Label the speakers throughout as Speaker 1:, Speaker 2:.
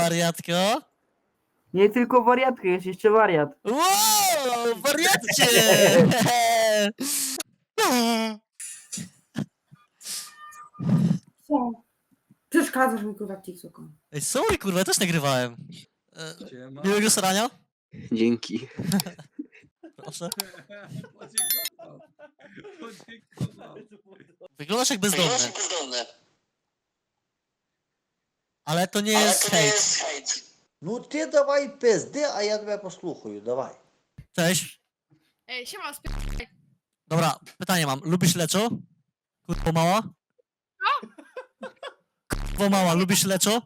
Speaker 1: wariatko?
Speaker 2: Nie tylko wariatka, jest jeszcze wariat.
Speaker 1: Wow, wariatcie!
Speaker 3: Co? Przeszkadzasz mi kurwa TikTokom.
Speaker 1: Ej, sorry, kurwa, ja też nagrywałem.
Speaker 4: Siema.
Speaker 1: Miłego starania?
Speaker 5: Dzięki.
Speaker 1: Proszę.
Speaker 4: Podziękował. Podziękował.
Speaker 1: Wyglądasz jak bezdomny. Ale to nie jest hejt.
Speaker 6: Ну ти давай пизди, а я тебе послухаю, давай.
Speaker 1: Cześć.
Speaker 7: Ej, siema,
Speaker 1: Dobra, pytanie mam. Lubisz leczo? Kurwa mała? Kurwa mała, lubisz leczo?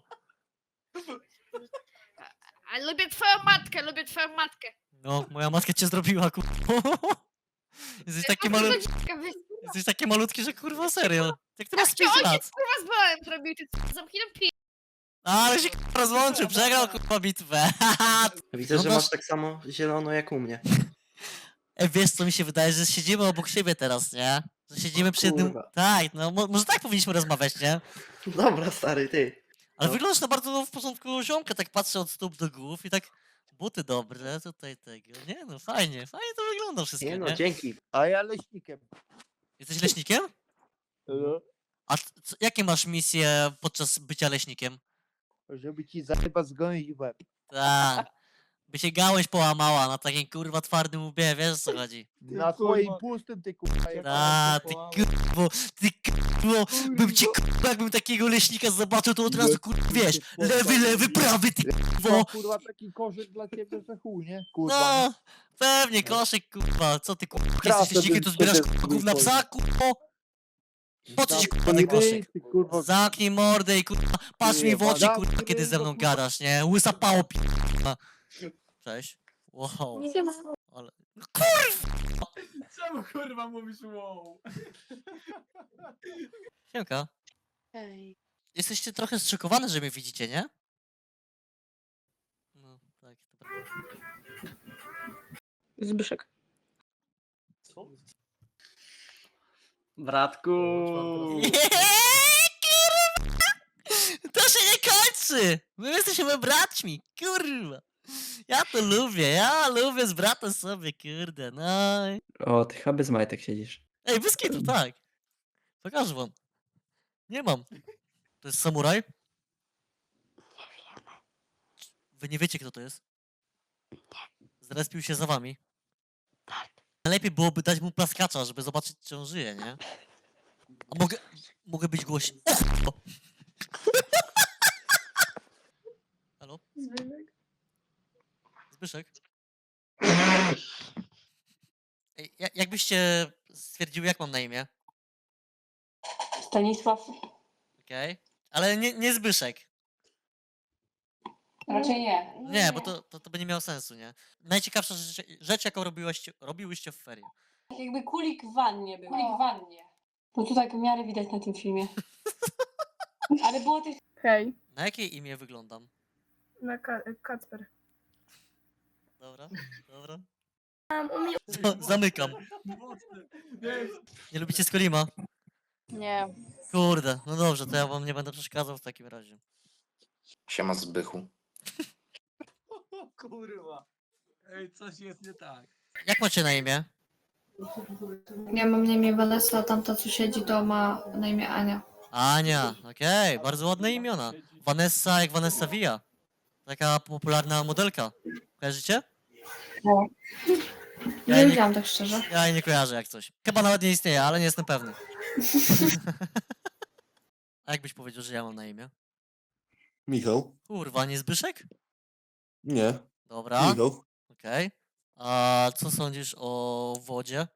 Speaker 7: a lubię twoją matkę.
Speaker 1: No, moja matka cię zrobiła, kurwa. Jesteś taki malutki. Jesteś taki malutki, że kurwa serio. Jak ty masz 5 lat?
Speaker 7: Kurwa z bolem zrobił, ty zamknij pi...
Speaker 1: Ale się kurwa rozłączył, przegrał kurwa bitwę.
Speaker 5: Widzę, że masz tak samo zielono jak u mnie.
Speaker 1: Ej, wiesz co mi się wydaje, że siedzimy obok siebie teraz, nie? Że siedzimy przy jednym...
Speaker 5: Kurwa.
Speaker 1: Tak, no może tak powinniśmy rozmawiać, nie?
Speaker 5: Dobra, stary, ty.
Speaker 1: Ale
Speaker 5: No.
Speaker 1: wyglądasz na bardzo w porządku ziomka, tak patrzę od stóp do głów i tak... Buty dobre, tutaj tego. Nie no, fajnie to wygląda wszystko,
Speaker 5: Nie
Speaker 1: nie?
Speaker 5: no, dzięki.
Speaker 6: А я leśnikiem.
Speaker 1: Jesteś leśnikiem? A jakie masz misje podczas bycia leśnikiem?
Speaker 6: Żeby ci zajebać zgonić łeb.
Speaker 1: Tak. By się gałąź połamała na takim kurwa twardym łbie, wiesz o co chodzi?
Speaker 6: Na twoim pustym ty kurwa.
Speaker 1: A, ty kurwo, bym ci kurwa, jakbym takiego leśnika zobaczył, to od razu kurwa, wiesz, lewy, prawy, ty kurwo.
Speaker 6: Kurwa taki koszyk dla ciebie, że chuj, nie? Kurwa.
Speaker 1: No, pewnie, koszyk, kurwa, co ty kurwa,
Speaker 6: Krasę
Speaker 1: jesteś leśnikiem, to
Speaker 6: bym
Speaker 1: zbierasz
Speaker 6: sobie
Speaker 1: kurwa gówna psa, kurwo? Po co ci kurwa ten
Speaker 6: Ty,
Speaker 1: koszyk?
Speaker 6: ty, kurwa.
Speaker 1: Zamknij mordę i kurwa, patrz mi w oczy,
Speaker 6: Jebana,
Speaker 1: kurwa, kiedy ze mną gadasz, nie? Łysa pało, kurwa. Cześć. Wow, ale... No kurwa!
Speaker 4: Czemu kurwa mówisz wow?
Speaker 1: Siemka.
Speaker 7: Ej.
Speaker 1: Jesteście trochę zszokowane, że mnie widzicie, nie? No, tak, to prawda.
Speaker 3: Zbyszek.
Speaker 5: Bratku.
Speaker 1: Kurwa! To się nie kończy! My jesteśmy braćmi, kurwa! Ja lubię z bratem sobie, kurde, no.
Speaker 5: O, ty chyba bez majtek siedzisz.
Speaker 1: Ej, bez kitu, tak. Pokażę wam. Nie mam. To jest samuraj? Wy nie wiecie, kto to jest? Zrespił się za wami. Najlepiej byłoby dać mu plaskacza, żeby zobaczyć, czy on żyje, nie? A mogę być głośny. O! Halo? Zbyszek? Ej, jakbyście stwierdziły, jak mam na imię?
Speaker 3: Stanisław.
Speaker 1: Okej. Ale nie Zbyszek.
Speaker 3: Raczej nie.
Speaker 1: Nie, bo to by nie miało sensu, nie? Najciekawsza rzecz jaką robiłyście w ferie.
Speaker 3: Jakby kulik w wannie był. Kulik w wannie. No to tak w miarę widać na tym filmie. Ale było też...
Speaker 8: Hej,
Speaker 1: Na jakie imię wyglądam?
Speaker 8: na Kacper.
Speaker 1: Dobra.
Speaker 8: Umie...
Speaker 1: Zamykam.
Speaker 4: Nie,
Speaker 1: Nie lubicie Skolima?
Speaker 7: Nie.
Speaker 1: Kurde, no dobrze, to ja wam nie będę przeszkadzał w takim razie.
Speaker 9: Siema Zbychu.
Speaker 4: o kurwa. Ej, coś jest nie tak.
Speaker 1: Jak macie na imię?
Speaker 8: Ja mam na imię Vanessa, a tamta co siedzi to ma na imię Ania.
Speaker 1: Ania, okej, bardzo ładne imiona. Vanessa jak Vanessa Villa. Taka popularna modelka. Kojarzycie?
Speaker 8: No.
Speaker 1: Ja
Speaker 8: Nie
Speaker 1: nie-
Speaker 8: wiedziałam tak szczerze.
Speaker 1: Ja jej nie kojarzę jak coś. Chyba nawet nie istnieje, ale nie jestem pewny. A jak byś powiedział, że ja mam na imię?
Speaker 9: Michał?
Speaker 1: Kurwa, nie Zbyszek?
Speaker 9: Nie.
Speaker 1: Dobra,
Speaker 9: Michał?
Speaker 1: okej. A co sądzisz o wodzie?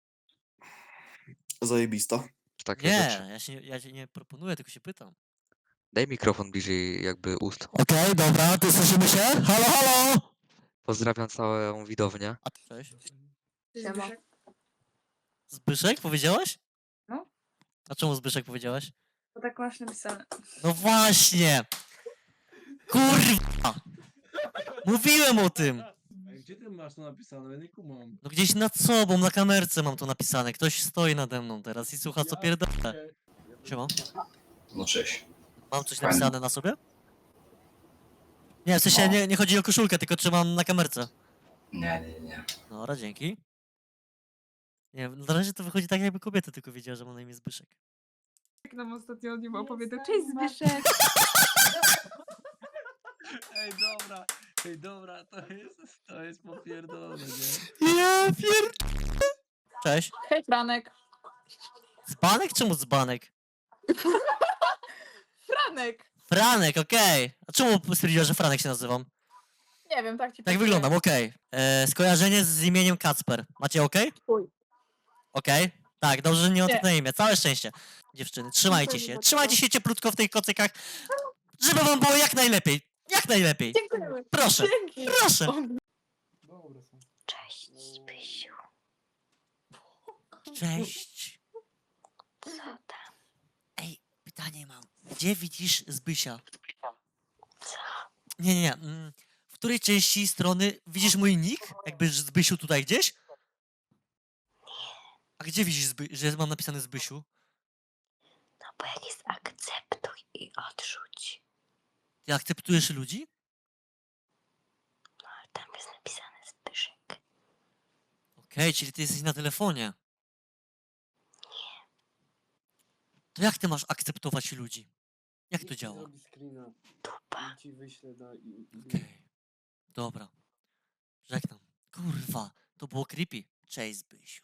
Speaker 9: Zajebista.
Speaker 10: Takie
Speaker 1: Nie,
Speaker 10: rzeczy.
Speaker 1: ja się nie proponuję, tylko się pytam.
Speaker 10: Daj mikrofon bliżej jakby ust.
Speaker 1: Okej, dobra, to słyszymy się? Halo, halo!
Speaker 10: Pozdrawiam całą widownię.
Speaker 1: A cześć.
Speaker 8: Siema.
Speaker 1: Zbyszek powiedziałaś?
Speaker 8: No.
Speaker 1: A czemu Zbyszek powiedziałaś?
Speaker 8: To tak masz napisane.
Speaker 1: No właśnie! Kurwa! Mówiłem o tym!
Speaker 4: Ej, gdzie ty masz to napisane? Ja nie kumam.
Speaker 1: No gdzieś nad sobą, na kamerce mam to napisane. Ktoś stoi nade mną teraz i słucha co
Speaker 4: Ja
Speaker 1: pierdolę.
Speaker 4: pier-
Speaker 1: Siema.
Speaker 9: No cześć.
Speaker 1: Mam coś napisane na sobie? Nie, w sensie nie chodzi o koszulkę, tylko trzymam na kamerce.
Speaker 6: Nie.
Speaker 1: Dobra, dzięki. Nie, na razie to wychodzi tak, jakby kobieta tylko wiedziała, że ma na imię Zbyszek.
Speaker 7: Jak nam ostatnio o nim opowiadał. Cześć Zbyszek!
Speaker 4: Ej, dobra, to jest popierdolone, nie?
Speaker 1: Ja Cześć.
Speaker 7: Hej Franek!
Speaker 1: Dzbanek? Czemu dzbanek?
Speaker 7: Franek!
Speaker 1: Franek, okej. A czemu stwierdziłaś, że Franek się nazywam?
Speaker 7: Nie wiem, tak ci
Speaker 1: Tak wyglądam, okej. Skojarzenie z imieniem Kacper. Macie okej?
Speaker 7: Chuj.
Speaker 1: Okej? Tak, dobrze, że nie mam
Speaker 7: Nie.
Speaker 1: tak na imię. Całe szczęście. Dziewczyny, trzymajcie się. Trzymajcie się cieplutko w tych kocykach, żeby wam było jak najlepiej. Jak najlepiej.
Speaker 7: Dziękujemy!
Speaker 1: Proszę,
Speaker 7: Dzięki!
Speaker 1: proszę.
Speaker 7: Cześć Zbysiu!
Speaker 1: Cześć.
Speaker 7: Co tam?
Speaker 1: Ej, pytanie mam. Gdzie widzisz Zbysia? Nie. W której części strony widzisz mój nick? Jakby Zbysiu tutaj gdzieś? A gdzie widzisz, że mam napisane Zbysiu?
Speaker 7: No bo jak jest akceptuj i odrzuć.
Speaker 1: Ty akceptujesz ludzi?
Speaker 7: No tam jest napisane Zbyszek.
Speaker 1: Okej, czyli ty jesteś na telefonie. To jak ty masz akceptować ludzi? Jak to działa?
Speaker 7: Dupa.
Speaker 1: Okej. Dobra. Żegnam. Kurwa, to było creepy. Cześć, Zbysiu.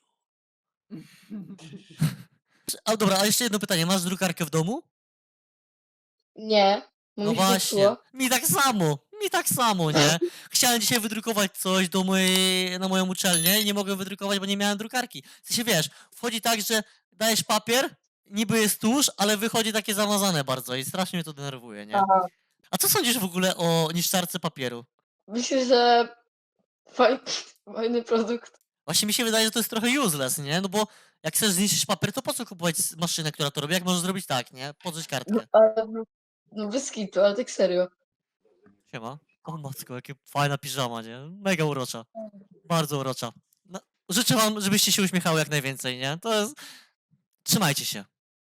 Speaker 1: A dobra, a jeszcze jedno pytanie. Masz drukarkę w domu?
Speaker 7: Nie.
Speaker 1: No właśnie. Mi tak samo, nie? Chciałem dzisiaj wydrukować coś na moją uczelnię i nie mogłem wydrukować, bo nie miałem drukarki. W sensie wiesz, wchodzi tak, że dajesz papier, niby jest tusz, ale wychodzi takie zamazane bardzo i strasznie mnie to denerwuje, nie? A co sądzisz w ogóle o niszczarce papieru?
Speaker 7: Myślę, że fajny produkt.
Speaker 1: Właśnie mi się wydaje, że to jest trochę useless, nie? No bo jak chcesz zniszczyć papier, to po co kupować maszynę, która to robi? Jak możesz zrobić tak, nie? Podrzeć kartkę.
Speaker 7: No bez kitu, ale tak serio.
Speaker 1: Siema. O matko, jakie fajna piżama, nie? Mega urocza. Bardzo urocza. No, życzę wam, żebyście się uśmiechały jak najwięcej, nie? To jest... Trzymajcie się.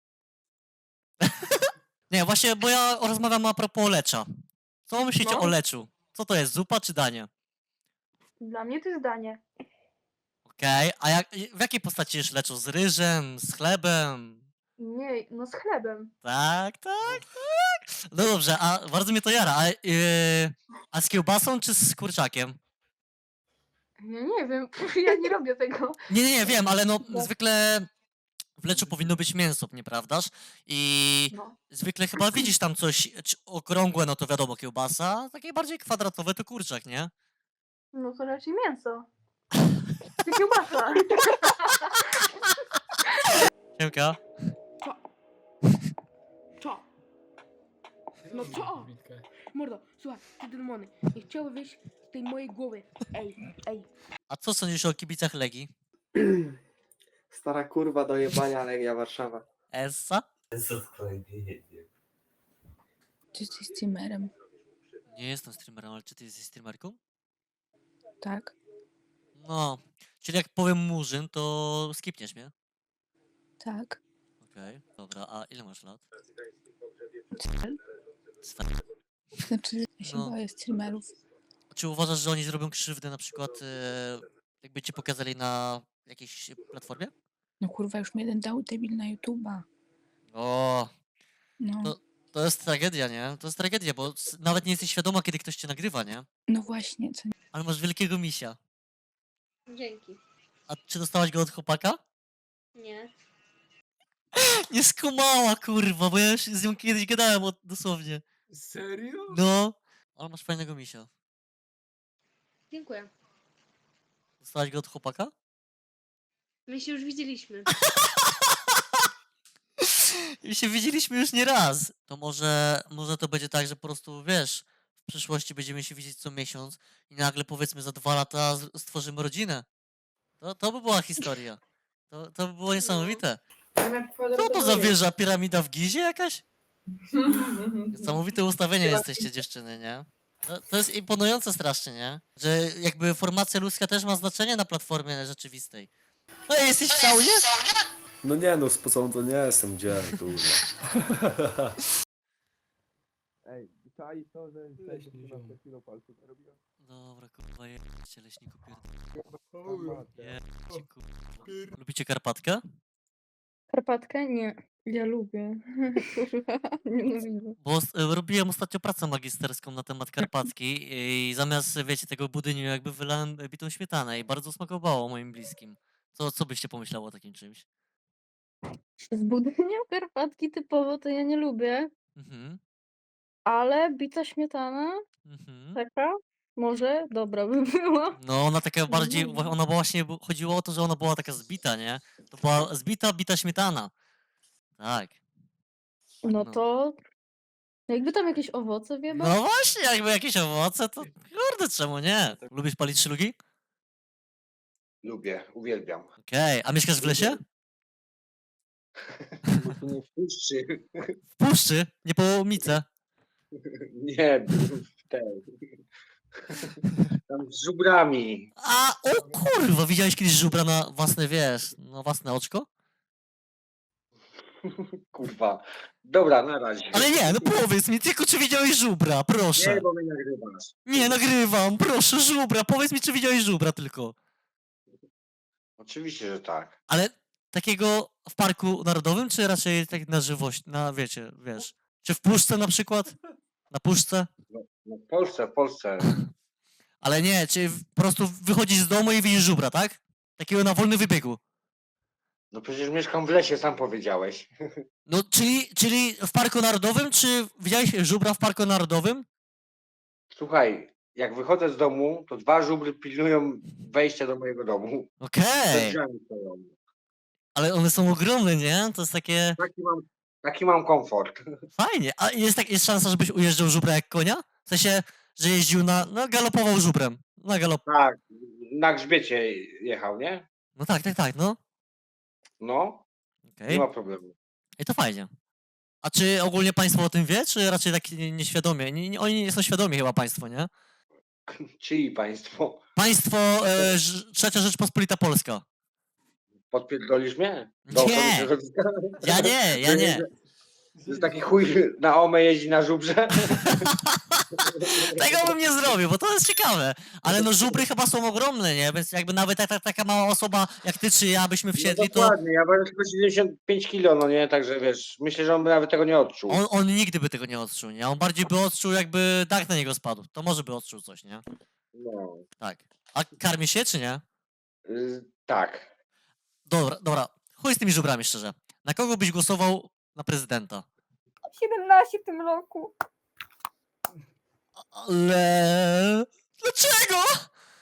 Speaker 1: Nie, właśnie, bo ja rozmawiam a propos lecza. Co myślicie o leczu? Co to jest, zupa czy danie?
Speaker 3: Dla mnie to jest danie.
Speaker 1: Okej, a w jakiej postaci jesz leczu? Z ryżem, z chlebem?
Speaker 3: Nie, no z chlebem.
Speaker 1: Tak. No dobrze, a bardzo mnie to jara. A z kiełbasą czy z kurczakiem?
Speaker 3: Ja nie wiem, ja nie robię tego.
Speaker 1: Nie, wiem, ale no zwykle w leczu powinno być mięso, nieprawdaż? I
Speaker 3: No.
Speaker 1: zwykle chyba widzisz tam coś okrągłe, no to wiadomo kiełbasa, a takie bardziej kwadratowe to kurczak, nie?
Speaker 3: No to raczej mięso. Czy kiełbasa.
Speaker 1: Siemka.
Speaker 11: Co? No co? Mordo, słuchaj, ty demony, nie chciały wyjść z tej mojej głowy. Ej.
Speaker 1: A co sądzisz o kibicach Legii?
Speaker 5: Stara kurwa do jebania Legia Warszawa.
Speaker 1: Essa?
Speaker 11: Czy jesteś streamerem?
Speaker 1: Nie jestem streamerem, ale czy ty jesteś streamerką?
Speaker 11: Tak.
Speaker 1: No, czyli jak powiem Murzyn, to skipniesz mnie?
Speaker 11: Tak.
Speaker 1: Okej, dobra, a ile masz lat?
Speaker 11: Znaczy, ja się
Speaker 1: No.
Speaker 11: boję streamerów.
Speaker 1: Czy uważasz, że oni zrobią krzywdę na przykład, jakby cię pokazali na jakiejś platformie?
Speaker 11: No kurwa, już mi jeden dał debil na YouTube'a.
Speaker 1: O,
Speaker 11: No.
Speaker 1: to jest tragedia, nie? To jest tragedia, bo nawet nie jesteś świadoma, kiedy ktoś cię nagrywa, nie?
Speaker 11: No właśnie, co
Speaker 1: Ale masz wielkiego misia.
Speaker 7: Dzięki.
Speaker 1: A czy dostałaś go od chłopaka?
Speaker 7: Nie.
Speaker 1: Nie skumała, kurwa, bo ja już z nią kiedyś gadałem dosłownie.
Speaker 4: Serio?
Speaker 1: No, ale masz fajnego misia.
Speaker 7: Dziękuję.
Speaker 1: Dostałaś go od chłopaka?
Speaker 7: My się już widzieliśmy.
Speaker 1: I się widzieliśmy już nie raz. To może to będzie tak, że po prostu, wiesz, w przyszłości będziemy się widzieć co miesiąc i nagle powiedzmy za 2 lata stworzymy rodzinę. To by była historia. To by było niesamowite. Co to za wieża? Piramida w Gizie jakaś? Niesamowite ustawienie jesteście dziewczyny, nie? To jest imponujące strasznie, nie? Że jakby formacja ludzka też ma znaczenie na platformie rzeczywistej. No i jesteś w saunie?
Speaker 9: No nie no, spocony to nie jestem, gdzie kurwa.
Speaker 2: Ej,
Speaker 4: czai to, że
Speaker 9: Leśny ziom.
Speaker 1: Dobra, kurwa, jedźcie leśniku pierdolę.
Speaker 4: kurwa.
Speaker 1: Jedźcie, kurwa. Lubicie Karpatkę?
Speaker 11: Karpatkę? Nie. Ja lubię. Kurwa, nienawidzę.
Speaker 1: Bo robiłem ostatnio pracę magisterską na temat Karpacki i zamiast, wiecie, tego budyniu jakby wylałem bitą śmietanę i bardzo smakowało moim bliskim. Co byście pomyślało o takim czymś?
Speaker 11: Z budynia Karpatki typowo to ja nie lubię,
Speaker 1: Mhm,
Speaker 11: ale bita śmietana
Speaker 1: mhm.
Speaker 11: taka może dobra by była.
Speaker 1: No ona taka bardziej,
Speaker 11: dobra.
Speaker 1: ona była właśnie, chodziło o to, że ona była taka zbita, nie? To była zbita, bita śmietana. Tak.
Speaker 11: No
Speaker 1: No.
Speaker 11: to jakby tam jakieś owoce wieba?
Speaker 1: No właśnie, jakby jakieś owoce, to kurde, czemu nie? Lubisz palić szlugi?
Speaker 6: Lubię, uwielbiam.
Speaker 1: Okej, a mieszkasz w lesie?
Speaker 6: Nie w puszczy.
Speaker 1: W puszczy? Nie po łomice?
Speaker 6: Nie, w tej. Tam z żubrami.
Speaker 1: A, o kurwa, widziałeś kiedyś żubra na własne, wiesz, na własne oczko?
Speaker 6: Kurwa. Dobra, na razie.
Speaker 1: Ale nie, no powiedz mi, tylko czy widziałeś żubra, proszę.
Speaker 6: Nie, bo mnie nagrywasz.
Speaker 1: Nie, nagrywam, proszę, żubra, powiedz mi, czy widziałeś żubra tylko.
Speaker 6: Oczywiście, że tak.
Speaker 1: Ale takiego w parku narodowym, czy raczej tak na żywość, na wiecie, wiesz, czy w puszce na przykład? Na puszce?
Speaker 6: No, w Polsce.
Speaker 1: Ale nie, czy po prostu wychodzisz z domu i widzisz żubra, tak? Takiego na wolnym wybiegu.
Speaker 6: No przecież mieszkam w lesie, sam powiedziałeś.
Speaker 1: No, czyli w parku narodowym, czy widziałeś żubra w parku narodowym?
Speaker 6: Słuchaj, jak wychodzę z domu, to 2 żubry pilnują wejścia do mojego domu. Przed
Speaker 1: Okej,
Speaker 6: drzwiami stoją.
Speaker 1: ale one są ogromne, nie? To jest takie
Speaker 6: Taki mam komfort.
Speaker 1: fajnie. A jest szansa, żebyś ujeżdżał żubra jak konia? W sensie, że jeździł no galopował żubrem. Na galop.
Speaker 6: Tak, na grzbiecie jechał, nie?
Speaker 1: No tak, no.
Speaker 6: No,
Speaker 1: Okej.
Speaker 6: nie ma problemu.
Speaker 1: I to fajnie. A czy ogólnie państwo o tym wie, czy raczej tak nieświadomie? Oni nie są świadomi chyba państwo, nie?
Speaker 6: Czyj państwo?
Speaker 1: Państwo Trzecia Rzeczpospolita Polska.
Speaker 6: Podpierdolisz mnie?
Speaker 1: Nie! Ja nie.
Speaker 6: Że taki chuj na omę jeździ na żubrze?
Speaker 1: Tego bym nie zrobił, bo to jest ciekawe. Ale no żubry chyba są ogromne, nie? Więc jakby nawet taka mała osoba jak ty czy ja byśmy wsiedli,
Speaker 6: No
Speaker 1: to
Speaker 6: dokładnie, ja będę tylko 75 kilo, no nie? Także wiesz, myślę, że on by nawet tego nie odczuł.
Speaker 1: on nigdy by tego nie odczuł, nie? On bardziej by odczuł, jakby dach na niego spadł. To może by odczuł coś, nie?
Speaker 6: No,
Speaker 1: Tak. A karmi się, czy nie?
Speaker 6: tak.
Speaker 1: Dobra. Chuj z tymi żubrami, szczerze. Na kogo byś głosował na prezydenta?
Speaker 3: 17 w tym roku.
Speaker 1: Ale... Dlaczego?